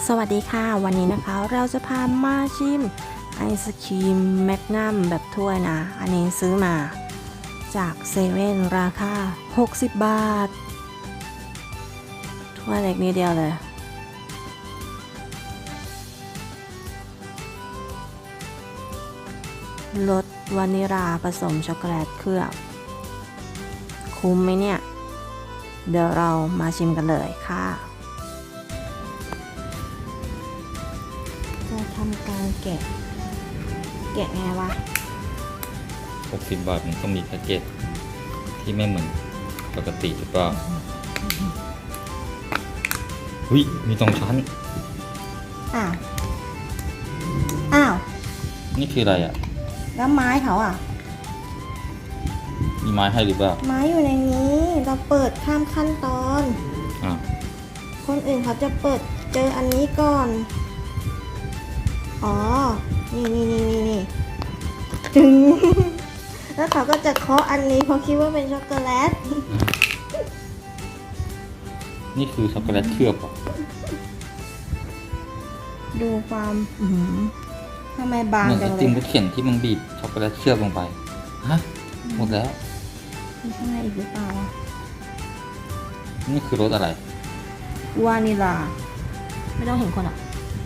สวัสดีค่ะวันนี้นะคะเราจะพามาชิมไอศครีมแมกนัมแบบถ้วยนะอันนี้ซื้อมาจากเซเว่นราคา60 บาทถ้วยเล็กนิดเดียวเลยรสวานิลาผสมช็อกโกแลตเคลือบคุ้มไหมเนี่ยเดี๋ยวเรามาชิมกันเลยค่ะจะทำการแกะไงวะ 60 บาทมันต้องมีแพ็กเกจที่ไม่เหมือนปกติหรือเปล่าหุ้ยมี2 ชั้นอ้าวนี่คืออะไรอ่ะแล้วไม้เขาอ่ะมีไม้ให้หรือเปล่าไม้อยู่ในนี้เราเปิดข้ามขั้นตอนอ่าคนอื่นเขาจะเปิดเจออันนี้ก่อนอ๋อนี่จึง แล้วเขาก็จะเคาะอันนี้เพราะคิดว่าเป็นช็อกโกแลตนี่คือช็อกโกแลตเคลือบเหรอดูความทำไมบางเหมือนจัไองเลติมยรถเข็นที่มันบีบช็อกโกแลตเคลือบลงไปฮะหมดแล้วมีข้างในอีกหรือเปล่านี่คือรสอะไรวานิลาไม่ต้องเห็นคนอ่ะ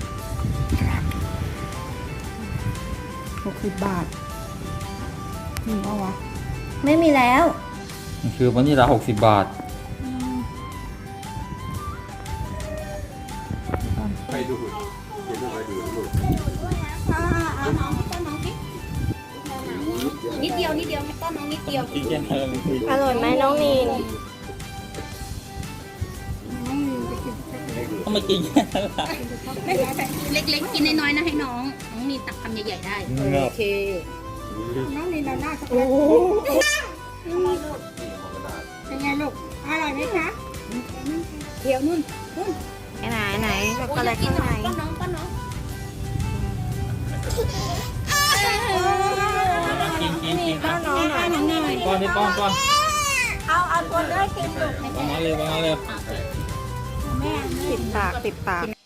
60 บาทมีป่าวะไม่มีแล้วมันคือวานิลา60 บาทไปดูเดี๋ยวไปดูลูกเอาน้องต้นน้องสินิดเดียวต้นน้องนิดเดียวกินแค่นั้นมันคืออร่อยไหมน้องนีนต้องมากินแค่นั้นล่ะไม่เล็กๆกินน้อยๆนะให้น้องมีตักคำใหญ่ๆได้โอเคน้องนี่เราหน้าช็อกโกโอ้แลตโหเป็นไงลูกอร่อยไหมคะเดี๋ยวนู่นไหนช็อกโกแลตข้างในป้อนน้องกินป้อนน้องหน่อยป้อนนี่ป้อนเอาตัวเลือกกินลูกป้อนน้องเลยแม่ติดปาก